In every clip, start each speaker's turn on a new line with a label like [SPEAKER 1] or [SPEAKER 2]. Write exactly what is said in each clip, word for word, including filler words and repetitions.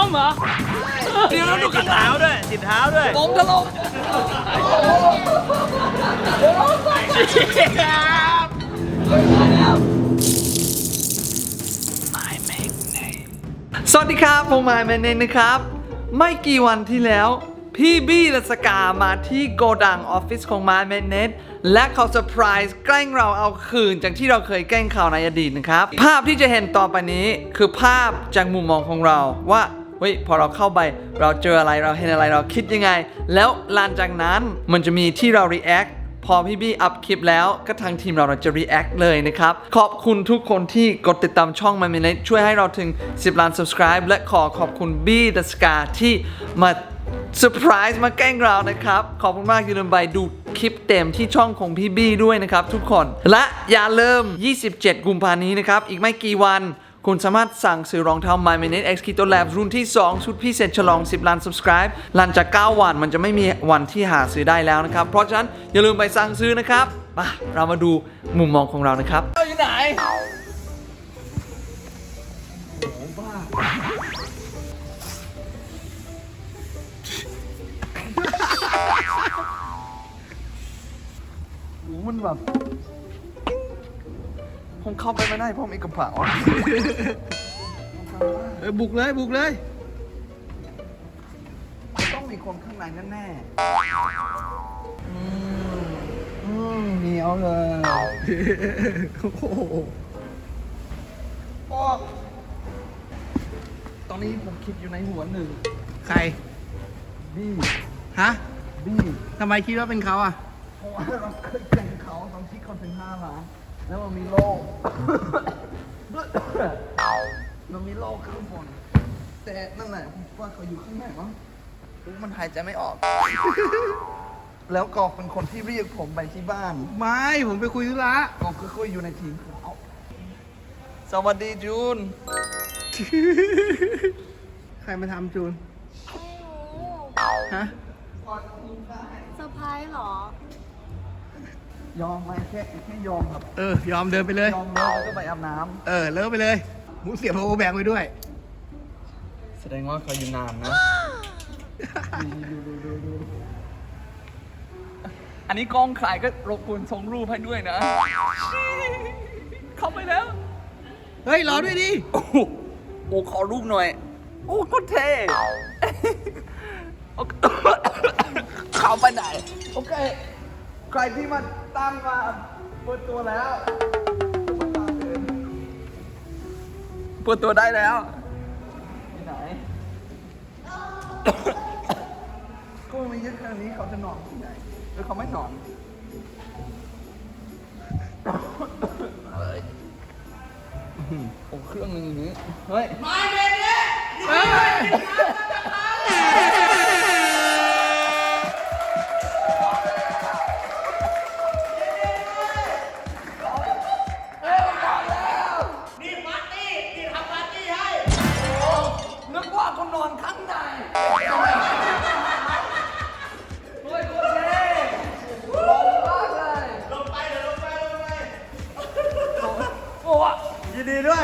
[SPEAKER 1] มเหรอเดี๋ยวเราดูกันเท้าด้วยติดเท้าด้วยผมจะลง
[SPEAKER 2] สวัสดีครับผมไมค์แมนเนนนะครับไม่กี่วันที่แล้วพี่บี้และสกามาที่โกดังออฟฟิศของไมค์แมนเนนและเขาเซอร์ไพรส์แกล้งเราเอาคืนจากที่เราเคยแกล้งเขาในอดีตนะครับภาพที่จะเห็นต่อไปนี้คือภาพจากมุมมองของเราว่าเฮ้ยพอเราเข้าไปเราเจออะไรเราเห็นอะไรเราคิดยังไงแล้วหลังจากนั้นมันจะมีที่เรา reactพอพี่บี้อัพคลิปแล้วก็ทางทีมเราเราจะ react เลยนะครับขอบคุณทุกคนที่กดติดตามช่อง My Minute ช่วยให้เราถึงสิบล้าน subscribe และขอขอบคุณบี้ดัสกาที่มาเซอร์ไพรส์มาแกล้งเรานะครับขอบคุณมากอย่าลืมไปดูคลิปเต็มที่ช่องของพี่บี้ด้วยนะครับทุกคนและอย่าลืมยี่สิบเจ็ดกุมภาพันธ์นี้นะครับอีกไม่กี่วันคุณสามารถสั่งซื้อรองเท้า My Minute X Keto Labs รุ่นที่สองชุดพิเศษฉลองสิบล้าน subscribe หลังจากเก้าวันมันจะไม่มีวันที่หาซื้อได้แล้วนะครับเพราะฉะนั้นอย่าลืมไปสั่งซื้อนะครับมาเรามาดูมุมมองของเรานะครับเราอยู่ไหนโอ้บ้าโอ้มันแบบผมเข้าไปไม่ได้เพราะมีกระเป๋า
[SPEAKER 1] เออบุกเลยบุกเลย
[SPEAKER 2] ต้องมีคนข้างในแน่ๆอืมอืมเหนียวเลยโอ้โหตอนนี้ผมคิดอยู่ในหัวหนึ่ง
[SPEAKER 1] ใคร
[SPEAKER 2] บี้
[SPEAKER 1] ฮะ
[SPEAKER 2] บี้
[SPEAKER 1] ทำไมคิดว่าเป็นเขาอ่ะ
[SPEAKER 2] เพราะว่าเราเคยแข่งเขาตอนที่เขาถึงห้าล้านแล้วมันมีโล่มันมีโล่ข้างบนแต่นั่นแหละผมว่าเขาอยู่ข้างในมั้งมันหายใจไม่ออก แล้วกอกเป็นคนที่เรียกผมไปที่บ้าน
[SPEAKER 1] ไม่ผมไปคุยธุระ
[SPEAKER 2] กอกคือคุยอยู่ในทีมเขาสวัสดีจูน
[SPEAKER 1] ใครมาทำจูนฮะ
[SPEAKER 3] เซอร์ไพรส์เหรอ
[SPEAKER 2] ยอมไหมแค่แค่ยอมครับ
[SPEAKER 1] เออยอมเดินไปเลย
[SPEAKER 2] ยอมแล้วก็ไปอาบน้ำ
[SPEAKER 1] เออเลิกไปเลยหมูเสียบโอแบงไปด้วย
[SPEAKER 2] แสดงว่าเขาอยู่นานนะอันนี้กล้องใครก็รบกวนส่งรูปให้ด้วยนะเข้าไปแล้ว
[SPEAKER 1] เฮ้ยรอด้วยดิ
[SPEAKER 2] โอ้โหขอรูปหน่อยโอ้โคตรเท่เข้าไปไหนโอเคใครที่มาตามมาเปิดตัวแล้วเปิดตัวได้แล้วที่ไหนก็ไม่เยอะขนาดนี้เขาจะนอนที่ไหนหรือเขาไม่นอนโอ้เครื่องนึงอย่างนี้เฮ้ยไม่เป็นเนี่ยนึกว่าเขานอนข้างในเฮ้ยโคตรเท่ลงมากเลยลงไปเดี๋ยวลงไปลงไปโอ้ยินดีด้วย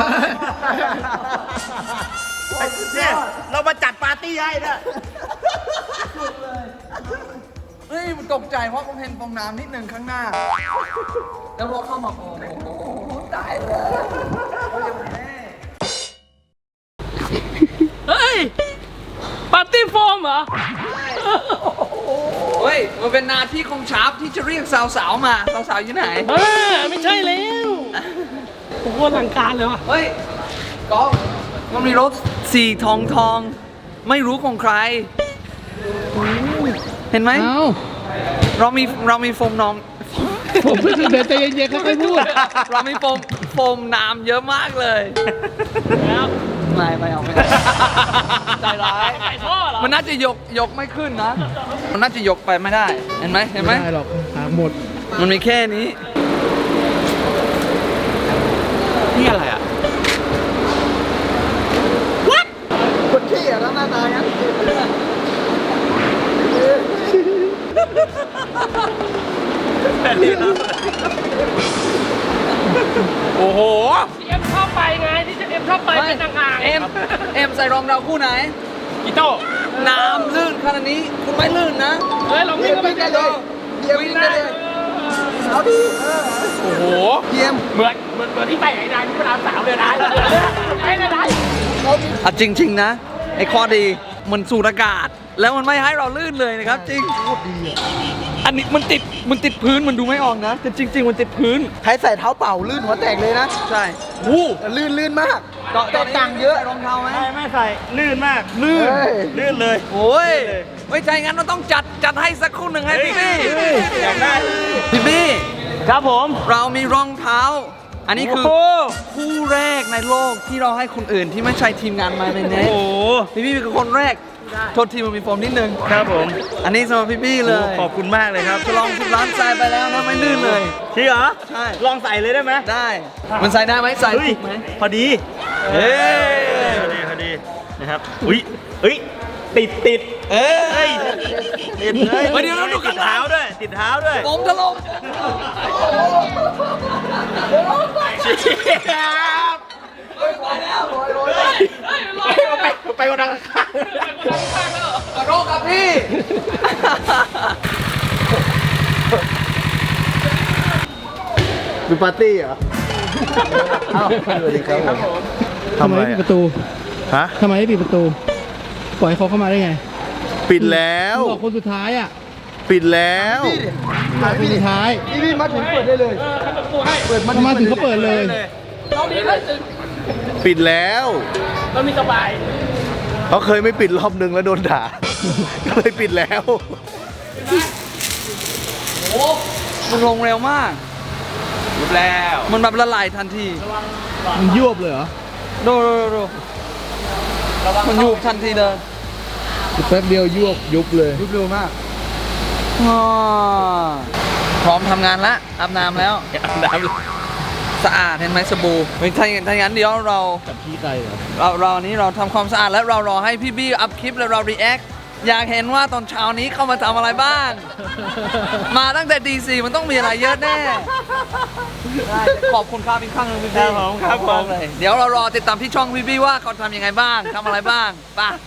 [SPEAKER 1] เนี่ยเรามาจัดปาร์ตี้ให้เนี่ย
[SPEAKER 2] สุดเลยเฮ้ยมันตกใจเพราะผมเห็นฟองน้ำนิดหนึ่งข้างหน้าแล้วพอเข้ามาโอ้โหตายเลย
[SPEAKER 1] เฮ้ยปาร์ตี้โฟมเหรอ
[SPEAKER 2] เฮ้ยมันเป็นหน้าที่ของชาร์ปที่จะเรียกสาวๆมาสาวๆอยู่ไหน
[SPEAKER 1] เออไม่ใช่แล้วผมว่าหลังการเลยว่ะ
[SPEAKER 2] เฮ้ยก็มันมีรถสีทองทองไม่รู้ของใครเห็นไหมเรามีเรามีโฟมน้อง
[SPEAKER 1] ผมเพิ่งเดินใจเย็นๆค่อยๆพูด
[SPEAKER 2] เรามีโฟมโฟมน้ำเยอะมากเลยแล้วไม่ไม่เอาไม่ใจร้าย
[SPEAKER 1] ใส่ท่อเหรอ
[SPEAKER 2] มันน่าจะยกยกไม่ขึ้นนะมันน่าจะยกไปไม่ได้เห็นไหมเห็นไหม
[SPEAKER 1] ไม่ได้หรอกหมด
[SPEAKER 2] มันมีแค่นี้
[SPEAKER 1] นี่อะไรอ่ะ
[SPEAKER 2] วัดคนที่อ่ะแล้วหน้าตาอย่างนี้
[SPEAKER 1] โอ้โหที่เอ็มชอบไปไงที่จะเอ็ม
[SPEAKER 4] มชอบไปเป็นต่างๆ
[SPEAKER 2] เอ็มเอ็มใส่รองเท้าคู่ไหน
[SPEAKER 4] อีโต้
[SPEAKER 2] น้ำลื่นขนาดนี้คุณไม่ลื่นนะ
[SPEAKER 4] เฮ้ยเราวิ่งก็ไม่ได้เลย
[SPEAKER 2] วิ่งได้เลย
[SPEAKER 5] เอาดิ
[SPEAKER 4] โอ้โห
[SPEAKER 5] เยี่ยม
[SPEAKER 4] เหมือนเหมือนเหมือนที่ไปไอ้นายที่พระรามสามเลยนะไอ้นาย
[SPEAKER 2] อ่ะจริง ๆ นะ ไอ้ข้อดีมันสูดอากาศ แล้วมันไม่ให้เราลื่นเลยนะครับ จริงอันนี้มันติดมันติดพื้นมันดูไม่ออกนะแต่จริง ๆ มันติดพื้น
[SPEAKER 5] ใครใส่เท้าเปล่าลื่นหัวแตกเลยนะ
[SPEAKER 2] ใช่วู้
[SPEAKER 5] ลื่นลื่นมาก
[SPEAKER 2] ตอน
[SPEAKER 5] แตกต่างเยอะ
[SPEAKER 2] รองเท้าไหม
[SPEAKER 1] ไม่ไม่ใส่ลื่นมาก
[SPEAKER 2] ลื่น
[SPEAKER 5] เฮ้ย
[SPEAKER 1] ลื่นเลย
[SPEAKER 2] โอ้ยไม่ใช่งั้นเราต้องจัดจัดให้สักคู่หนึ่งให้พี่บี้
[SPEAKER 1] อยากได้
[SPEAKER 2] พี่บี้
[SPEAKER 1] ครับผม
[SPEAKER 2] เรามีรองเท้า อันนี้คือ
[SPEAKER 1] โอ้โห
[SPEAKER 2] คู่แรกในโลกที่เราให้คนอื่นที่ไม่ใช่ทีมงานมาในเน็ต
[SPEAKER 1] โอ้โห
[SPEAKER 2] พี่บี้เป็นคนแรกโทษทีมันมีโฟมนิดนึง
[SPEAKER 1] ครับผม
[SPEAKER 2] อันนี้สำหรับพี่บี้เลย
[SPEAKER 1] ขอบคุณมากเลยครับ
[SPEAKER 2] ฉลองสิบล้านทรายไปแล้วนะไม่ลื่นเลย
[SPEAKER 1] จริงเหรอ
[SPEAKER 2] ใช่
[SPEAKER 1] ลองใส่เลยได้ไหม
[SPEAKER 2] ได้ มันใส่ได้ไหมใส่
[SPEAKER 1] เฮ้ย
[SPEAKER 2] ถูกไหม
[SPEAKER 1] พอดี
[SPEAKER 2] เฮ้ย
[SPEAKER 1] พอดีพอดีนะครับอุ้ยเอ้ยติดติด
[SPEAKER 2] เอ้ย
[SPEAKER 1] เฮ้ยติดเลย
[SPEAKER 2] เฮ้ยเดี๋ยวเราดูกัน
[SPEAKER 1] ติดเท้าด้วย ติดเท้าด้วย
[SPEAKER 2] ผมถล่ม
[SPEAKER 1] ครับไปไปกระดังข้าง
[SPEAKER 2] ขอโทษครับพี่
[SPEAKER 5] ดูปาร์ตี้เหรออ้าวสวัสดีครับผม
[SPEAKER 6] ทำไมไม่ปิดประตู
[SPEAKER 5] ฮะ
[SPEAKER 6] ทำไมไม่ปิดประตู ปล่อยให้เขาเข้ามาได้ไง
[SPEAKER 5] ปิดแล้ว
[SPEAKER 6] บอกคนสุดท้ายอ่ะ
[SPEAKER 5] ปิดแล้ว
[SPEAKER 6] บอกคนสุดท้าย
[SPEAKER 5] พี่พี่มาถึงเปิดได้เลย เปิด
[SPEAKER 6] มาถึงเขาเปิดเลย
[SPEAKER 4] เราดีเลยถึง
[SPEAKER 5] ปิดแล้ว
[SPEAKER 4] เรามีสบาย
[SPEAKER 5] เขาเคยไม่ปิดรอบนึงแล้วโดนด่า ก็เลยปิดแล้ว
[SPEAKER 2] โอ้มันลงเร็วมากยุบแล้ว มันแบบละลายทันที
[SPEAKER 6] มันยวบเลยเหรอ
[SPEAKER 2] ดูดูดูดูมันยุบทันทีเลย
[SPEAKER 6] แป๊บเดียวยวบยุบเลย
[SPEAKER 5] ยุบเร็วมาก
[SPEAKER 2] อ่าพร้อมทำงานแล้วอาบน้ำแล้ว
[SPEAKER 1] อาบน้ำเลย
[SPEAKER 2] สะอาดเห็นไหมสบู่เฮ้ยถ้าอย่างถ้าอย่างนั้นเดี๋ยวเรา
[SPEAKER 6] กับพี่ไก่เหรอ
[SPEAKER 2] เราเรานี้เราทำความสะอาดและเรารอให้พี่บี้อัพคลิปแล้วเรา react อยากเห็นว่าตอนเช้านี้เข้ามาทำอะไรบ้าง มาตั้งแต่ดีซีมันต้องมีอะไรเยอะแน่ได้ขอบคุณครับอีกครั้งหนึงพี่บี้
[SPEAKER 1] ครับผมครับผม
[SPEAKER 2] ขอณากเลยเดี๋ยวเรารอติดตามที่ช่องพี่บี้ว่าเขาทำยังไงบ้างทำอะไรบ้างไป่ะ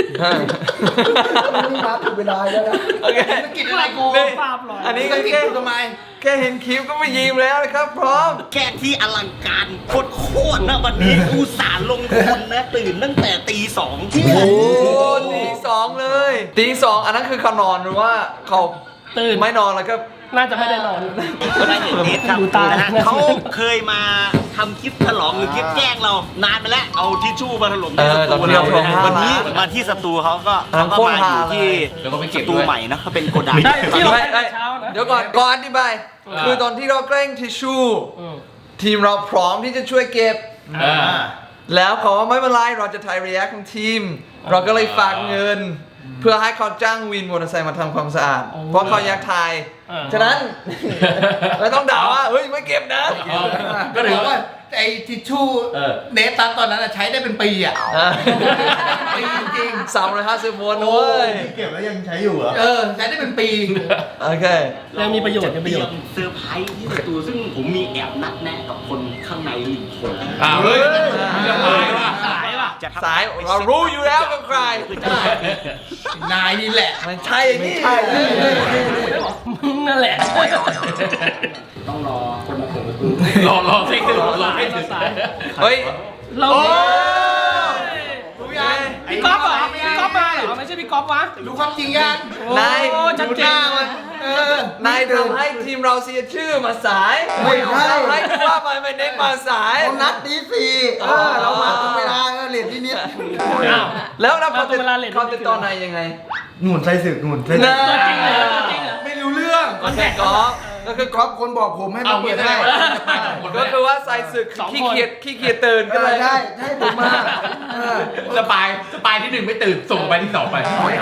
[SPEAKER 5] นี่มาถึงเวลาแล้วนะ
[SPEAKER 2] โอเคกินอะไรกูอันนี้ก็แค่ทำไมแค่เห็นคลิปก็ไม่ยิ้มแล้วนะครับพร้อม
[SPEAKER 1] แค่ที่อลังการโคตรๆนะวันนี้อุตส่าห์ลงทุนนะตื่นตั้งแต่ตีสอง
[SPEAKER 2] โอ้ตีสองเลยตีสองอันนั้นคือเขานอนหรือว่าเขา
[SPEAKER 4] ตื่น
[SPEAKER 2] ไม่นอนแล้วก็
[SPEAKER 4] น่าจะไม่ได้นอน
[SPEAKER 1] ก็ได้เห็นเนสครับ
[SPEAKER 4] ดูตา
[SPEAKER 1] นะฮะเขาเคยมาทำคลิปฉลองหรือคลิปแกล้งเรานานไปแล้วเอาทิชชู่มาถล่มในสตูเราวันนี้มาที่สตูเขาก็เขาก็มาอยู่ที่สตูใหม่นะเขาเป็นโกดัง
[SPEAKER 4] ได้ที่เรา
[SPEAKER 2] ไม่
[SPEAKER 4] ไป
[SPEAKER 2] ไม่
[SPEAKER 4] เช้านะ
[SPEAKER 2] เดี๋ยวก่อนก่อนอธิบายคือตอนที่เราแกล้งทิชชู่ทีมเราพร้อมที่จะช่วยเก็บ แล้วเขาว่าไม่เป็นไรเราจะถ่ายรีแอคของทีม เราก็เลยฝากเงิน เพื่อให้เขาจ้างวินมอเตอร์ไซค์มาทำความสะอาด เพราะเขาอยากถ่าย ฉะนั้นเราต้องด่าว่าเฮ้ยไม่เก็บนะ
[SPEAKER 7] ก็ถือว่าไอ้ทิชชู่เนตัสตอนนั้นอะใช้ได้เป็นปีอ่ะ ปีจริง
[SPEAKER 2] สามร้อยห้าสิบวนเว้ย
[SPEAKER 5] เก็บแล้วยังใช้อยู่เหรอ
[SPEAKER 7] เออ ใช้ได้เป็นปี
[SPEAKER 2] โอเค
[SPEAKER 4] ยังมีประโยชน์ยังมีประโยชน์
[SPEAKER 1] เซอร์ไพรส์ที่สตูซึ่งผมมีแอบนัดแนะกับคนข้างในหนึ่งคน
[SPEAKER 4] อ้าวเฮ้ยสายว่ะสายว่ะ
[SPEAKER 1] จะทำ
[SPEAKER 2] สายเรารู้อยู่แล้วเป็นใคร
[SPEAKER 7] นายนี่แหละ
[SPEAKER 2] มันใช่อย่างนี้ใช่
[SPEAKER 4] มึงนั่นแหละ
[SPEAKER 1] ต้องรอคนมาเปิดประตู
[SPEAKER 4] รอรอให้ถึงรอให้ถึงสาย
[SPEAKER 2] เฮ้ย
[SPEAKER 4] เรา
[SPEAKER 2] โอ้
[SPEAKER 4] รู้ยังพี่ก๊อฟเหรอพี่ก๊อฟมาเหรอไม่ใช่พี่ก๊อฟวะ
[SPEAKER 7] รู้ความจริงยัง
[SPEAKER 2] นาย
[SPEAKER 4] โอ้ชัดเจน
[SPEAKER 7] มันเออ
[SPEAKER 2] นายทำให้ทีมเราเสียชื่อมาสาย
[SPEAKER 5] ไม่ใช่
[SPEAKER 2] ทำให้ผู้ว่าไปไม่เด็กมาสาย
[SPEAKER 5] เขานัดดีสี่เออเรามาตรงเวลาเออเรียนที่นิด
[SPEAKER 4] อ้าว
[SPEAKER 2] แล้วเราเขา
[SPEAKER 4] มาตรงเวลาเลท
[SPEAKER 2] เขาติดต่อนายยังไง
[SPEAKER 5] หนุนใส่สึกหนุนใส่
[SPEAKER 2] น่า
[SPEAKER 4] ตัวจริงเหรอตัวจริงเหรอ
[SPEAKER 5] ไม่รู้เรื่อง
[SPEAKER 2] โอเคก็ก็คือ
[SPEAKER 5] ก๊อฟคนบอกผมให้มาเปิดให้
[SPEAKER 2] ก็คือว่าใส่ศึกขี้เกียจขี้เกียจตื่น
[SPEAKER 5] เอ
[SPEAKER 2] ก็เล
[SPEAKER 5] อย ใช่ใช่ผมมาเออ
[SPEAKER 8] สปายสปายที่หนึ่งไม่ตื่น ส่งไปที่สองไป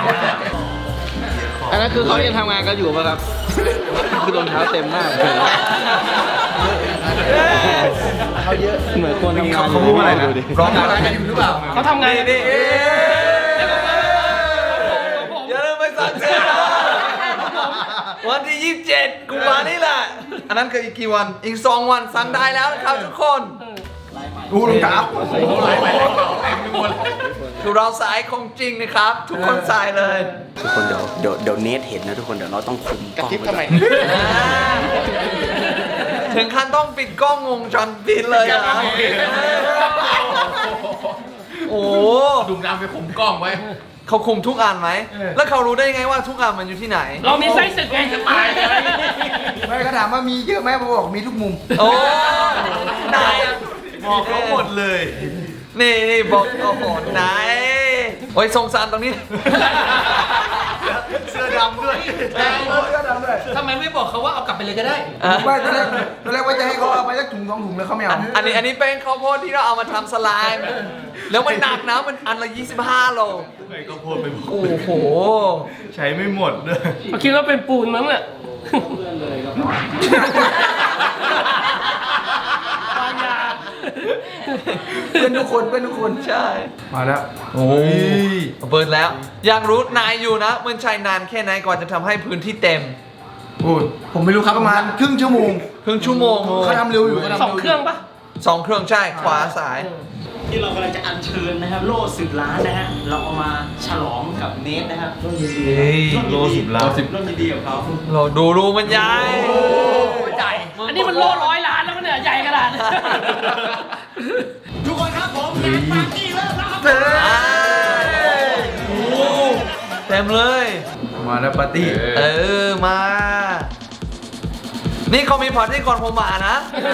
[SPEAKER 2] อันนั้นคือเขายังทำงานกันอยู่ป่ะครับ คือรองเท้าเต็มมากเขาเยอะเหมือนคนทำงาน
[SPEAKER 5] เขาพูดอะไรนะร้องอะไร
[SPEAKER 7] กันอยู่หรือเปล่า
[SPEAKER 4] เขาทำไง
[SPEAKER 2] นี่นี่อย่าลืมไปสั่งเสื้อนะวันที่ยี่สิบเจ็ดกุมภาพันธ์นี่แหละ อันนั้นคืออีกกี่วัน อีกสองวันสั่งได้แล้วนะครับทุกคน
[SPEAKER 1] ลายใหม่
[SPEAKER 7] ดูรองเท้า
[SPEAKER 2] คือเราสายของจริงนะครับ ทุกคนสายเลย
[SPEAKER 1] ทุกคนเดี๋ยวเดี๋ยวเดี๋ยวเนทเห็นนะทุกคนเดี๋ยวเราต้องคุมกล้องทำไม
[SPEAKER 2] ถึงขั้นต้องปิดกล้องวงจรปิดเลยเหรอโอ้
[SPEAKER 8] ดุมน้ำไปคุมกล้องไว้
[SPEAKER 2] เขาคุมทุกอันไหม แล้วเขารู้ได้ยังไงว่าทุกอันมันอยู่ที่ไหน
[SPEAKER 4] เรามีไส้ศึกไงสปายเลย
[SPEAKER 7] ไม่ก็ถามว่ามีเยอะไหมผมบอกมีทุกมุม
[SPEAKER 2] โอ้นาย
[SPEAKER 1] บอกเขาหมดเลย
[SPEAKER 2] นี่นี่บอกโอ้โหนายโอ้ยสงสารตรงนี้
[SPEAKER 1] เสื้อดำด้วย
[SPEAKER 4] ทำไมไม่บอกเขาว่าเอากลับไปเลยก็ได้
[SPEAKER 2] อ่ะ
[SPEAKER 7] ว่าตอนแรกตอนแรกว่าจะให้เขาเอาไปสักถุงสองถุงแล้วเขาไม่เอา
[SPEAKER 2] อันนี้อันนี้เป็นข้าวโพดที่เราเอามาทำสไลม์แล้วมันหนักนะมันอันละยี่สิบห้าโล
[SPEAKER 1] ไอ้ก็พูดไปบอก
[SPEAKER 2] โอ้โห
[SPEAKER 1] ใช้ไม่หมดด้วย
[SPEAKER 4] เขาคิดว่าเป็นปูนมั้งอ่ะวางยา
[SPEAKER 7] เป็นทุกคนเป็นทุกคน
[SPEAKER 2] ใช่
[SPEAKER 7] มาแล้ว
[SPEAKER 2] โอ้ยเบิร์ดแล้ว อยากรู้นายอยู่นะ มันใช้นานแค่ไหนกว่าจะทำให้พื้นที่เต็ม
[SPEAKER 7] โอ้ยผมไม่รู้ครับประมาณครึ่งชั่วโมง
[SPEAKER 2] ครึ่งชั่วโมง
[SPEAKER 7] เขาทำเร็วอยู่เขาทำ
[SPEAKER 4] สองเครื่องปะ
[SPEAKER 2] สองเครื่องใช่ขวาซ้าย
[SPEAKER 1] ที่เรากำลังจะอัญเชิญนะครับโล่สิบล้านนะฮะเราเอามาฉลองกับเนทนะครับร่วมยินดี
[SPEAKER 2] เฮ้ย
[SPEAKER 1] โล่สิบล้านร่วมยินดีกับเขา
[SPEAKER 2] เราดูรูมันใหญ่
[SPEAKER 4] ใหญ่อันนี้มันโล่ร้อยล้านแล้วมันเนี่ยใหญ่ขนาดนี้
[SPEAKER 1] ทุกคนครับผมงานปาร์ตี้เริ่มแล้วครับ
[SPEAKER 2] เฮ้ยโอ้เต็มเลย
[SPEAKER 7] มาแล้วปาร์ตี้
[SPEAKER 2] เออมา นี่เขามีพาร์ตี้ก่อนผมมานะ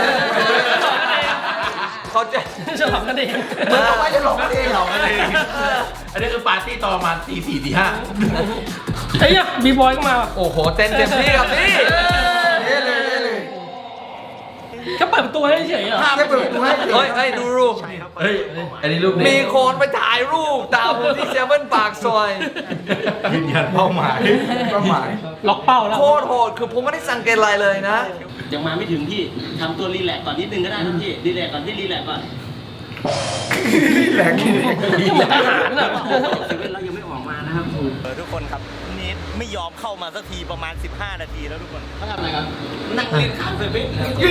[SPEAKER 2] เขาจะ
[SPEAKER 4] ฉลองกันเอง
[SPEAKER 7] เมื่อเขาไม่จะหลอกกันเองเหรอ
[SPEAKER 8] อันนี้คือปาร์ตี้ตอนประมาณตีสี่ตีห้า
[SPEAKER 4] เฮ้ยบีบอยก็มา
[SPEAKER 2] โอ้โหเต้นเต็มที่ครับพี่
[SPEAKER 7] เล่เลยเล่เลย
[SPEAKER 4] ก็เปิดประตูให้เฉยๆเหรอ
[SPEAKER 7] แค่เปิดประตูให้
[SPEAKER 2] เฮ้ยเฮ้ยดูรูป
[SPEAKER 8] เฮ้ย อันนี้รูป
[SPEAKER 2] มีคนไปถ่ายรูปตามผมที่เซเว่นปากซอย
[SPEAKER 1] ยืนยันเป้าหมาย
[SPEAKER 7] เป้าหมาย
[SPEAKER 4] ล็อกเป้าแล้ว
[SPEAKER 2] โคตรโหด คือผมไม่ได้สังเกตอะไรเลยนะ
[SPEAKER 1] ยังมาไม่ถึงพี่ทำตัวรีแลกซ์ก่อนนิดนึงก็ได้นะพี่รีแลกซ์ก่อนพี่รีแลกซ์ก่อน
[SPEAKER 7] แหลก
[SPEAKER 4] เหมือนทหารน่ะ
[SPEAKER 1] เซเว่นเรายังไม่ออกมานะครับทุกคนครับเนทไม่ยอมเข้ามาสักทีประมาณสิบห้านาทีแล้วทุกคนเขาทำอะไรกันนั่งเล่นข้างเซเว่น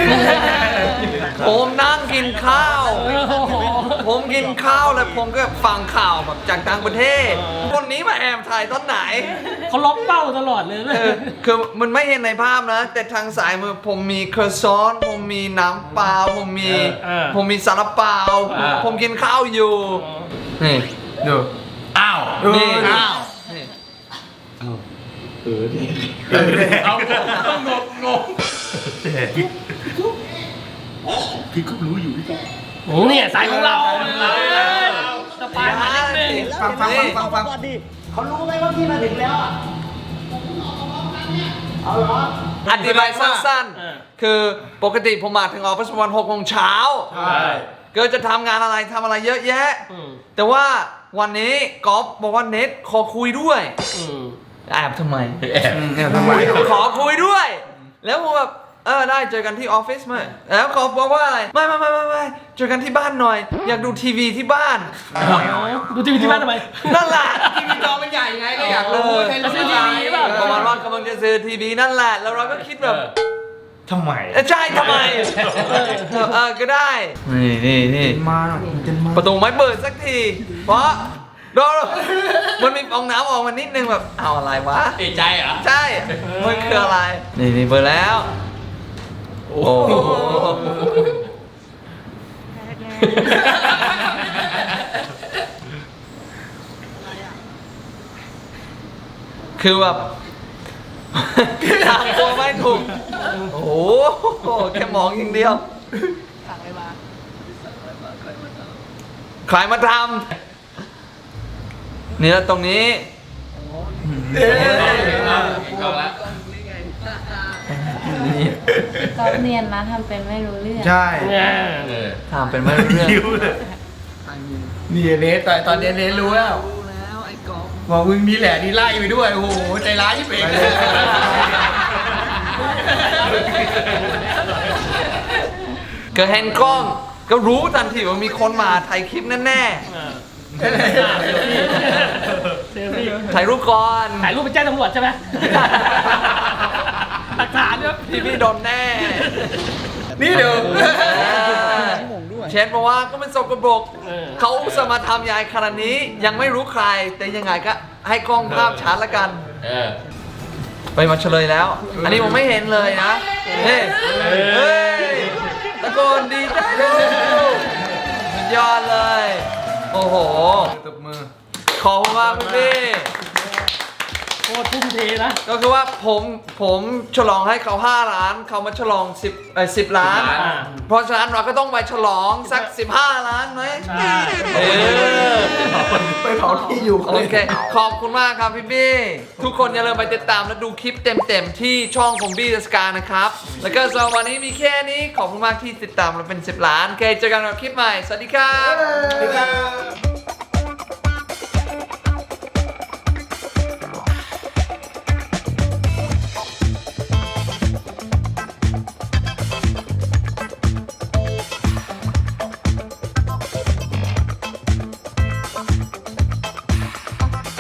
[SPEAKER 2] ผมนั่งกินข้าว
[SPEAKER 4] โอ้โห
[SPEAKER 2] ผมกินข้าวแล้วผมก็ฟังข่าวแบบจากต่างประเทศ คนนี้มาแอบถ่ายตอนไหน
[SPEAKER 4] เขาล็อกเป้าตลอดเลย
[SPEAKER 2] เออคือมันไม่เห็นในภาพนะ แต่ทางสายมือผมมีเคอร์ซอน ผมมีน้ำเปล่า ผมมี ผมมีซาลาเปา ผมกินข้าวอยู่ นี่
[SPEAKER 7] ดู
[SPEAKER 8] อ้าว
[SPEAKER 2] นี่
[SPEAKER 7] อ้าว
[SPEAKER 2] นี่
[SPEAKER 8] เอาต้องงงงง
[SPEAKER 1] พี่ก็รู้อยู่พี่ก็
[SPEAKER 4] โอ้เนี่ยสายของเราเลยสปายมานิดนึง
[SPEAKER 7] ฟังฟังฟังฟังฟัง
[SPEAKER 1] ก่อนดิเขารู้ไหมว่าพี่มาถึงแล้วอ่ะเอาเหรอ
[SPEAKER 2] อธิบายสั้นๆ คือปกติผมมาถึงออฟฟิศประมาณหกโมงเช้า
[SPEAKER 8] ใช่
[SPEAKER 2] ก็จะทำงานอะไรทำอะไรเยอะแยะ แต่ว่าวันนี้กอล์ฟบอกว่าเน็ตขอคุยด้วยแอบทำไม
[SPEAKER 8] แอบ
[SPEAKER 7] เนี่ยทำไม
[SPEAKER 2] ขอคุยด้วย แล้วผมแบบเออได้เจอกันที่ออฟฟิศไหมแล้วเขาบอกว่าอะไรไม่ไม่ไม่ไม่ไม่เจอกันที่บ้านหน่อย อยากดูทีวีที่บ้าน
[SPEAKER 4] ดูทีวีที่บ้านทำไม
[SPEAKER 2] นั่นแหละ
[SPEAKER 7] ทีวีจอมันใหญ่ไงก็อยากรู้ใช่
[SPEAKER 4] จะซื้อทีวีเปล่า
[SPEAKER 2] ประมาณว่ากำลังจะซื้อทีวีนั่นแหละ แล้วเราก็คิดแบบ
[SPEAKER 1] ทำไม
[SPEAKER 2] เออใช่ทำไมเออก็ได้นี่นี่นี่
[SPEAKER 7] มาเต็มมา
[SPEAKER 2] ประตูไม่เปิดสักที เพราะดูมันมีฟองน้ำออกมานิดนึงแบบเอาอะไรวะ
[SPEAKER 8] เอใจเหรอ
[SPEAKER 2] ใช่มันคืออะไร นี่นี่เปิดแล้ว โอ้โหคือแบบทางตัวไม่ถูก โอ้โหแค่มองอย่างเดียวใครมาทำนี่แล้วตรงนี้
[SPEAKER 8] เอาละ
[SPEAKER 3] ก็เนียนนะทำเป็นไม่รู้เรื่อง
[SPEAKER 7] ใช่
[SPEAKER 2] ถามเป็นไม่รู้เรื่อง
[SPEAKER 7] นี่เนสตอนตอนนี้เนสรู้แล้วบอกมึงนี่แหละนี่ไล่ไปด้วย โอ้โห ใจร้ายยิ่งเอง
[SPEAKER 2] ก็เห็นกล้องก็รู้ทันทีว่ามีคนมาถ่ายคลิปแน่
[SPEAKER 4] เซลฟี่
[SPEAKER 2] ๆถ่ายรูปก่อน
[SPEAKER 4] ถ่ายรูปไปแจ้งตำรวจใช่ไหมหลักฐานเนี่ย
[SPEAKER 2] พี่พี่โดนแน่
[SPEAKER 7] นี่เดี๋ยว
[SPEAKER 2] เเช็ดเพราะว่าก็เป็นสกปรกเขาอุตส่าห์มาทำยายขนาดนี้ยังไม่รู้ใคร แต่ยังไงก็ให้กล้องภาพชัดละกัน
[SPEAKER 8] เออ
[SPEAKER 2] ไปมาเฉลยแล้ว อันนี้ผมไม่เห็นเลยนะเฮ้ยเฮ้ยตะโกนดีใจด้วยสุดยอดเลย โอ้โหตบมือ ขอบคุณมากพี่
[SPEAKER 4] โคตรทุ่มเทนะ
[SPEAKER 2] ก็คือว่าผมผมฉลองให้เขาห้าล้านเขามาฉลองสิบเอ่อสิบล้าน
[SPEAKER 8] อ่า
[SPEAKER 2] เพราะฉะนั้นเราก็ต้องไปฉลองสักสิบห้าล้านไหมเออ
[SPEAKER 5] ไปเผาที่อยู่
[SPEAKER 2] โอเค ขอบคุณมากครับพี่บี้ ทุกคนอย่าลืมไปติดตามและดูคลิปเต็มๆที่ช่องของบี้เดอะสกานะครับ แล้วก็สำหรับวันนี้มีแค่นี้ ขอบคุณมากที่ติดตามเราเป็นสิบล้านโอเคเจอกันกับคลิปใหม่ สวัสดีครับ
[SPEAKER 5] สวัสดีครับ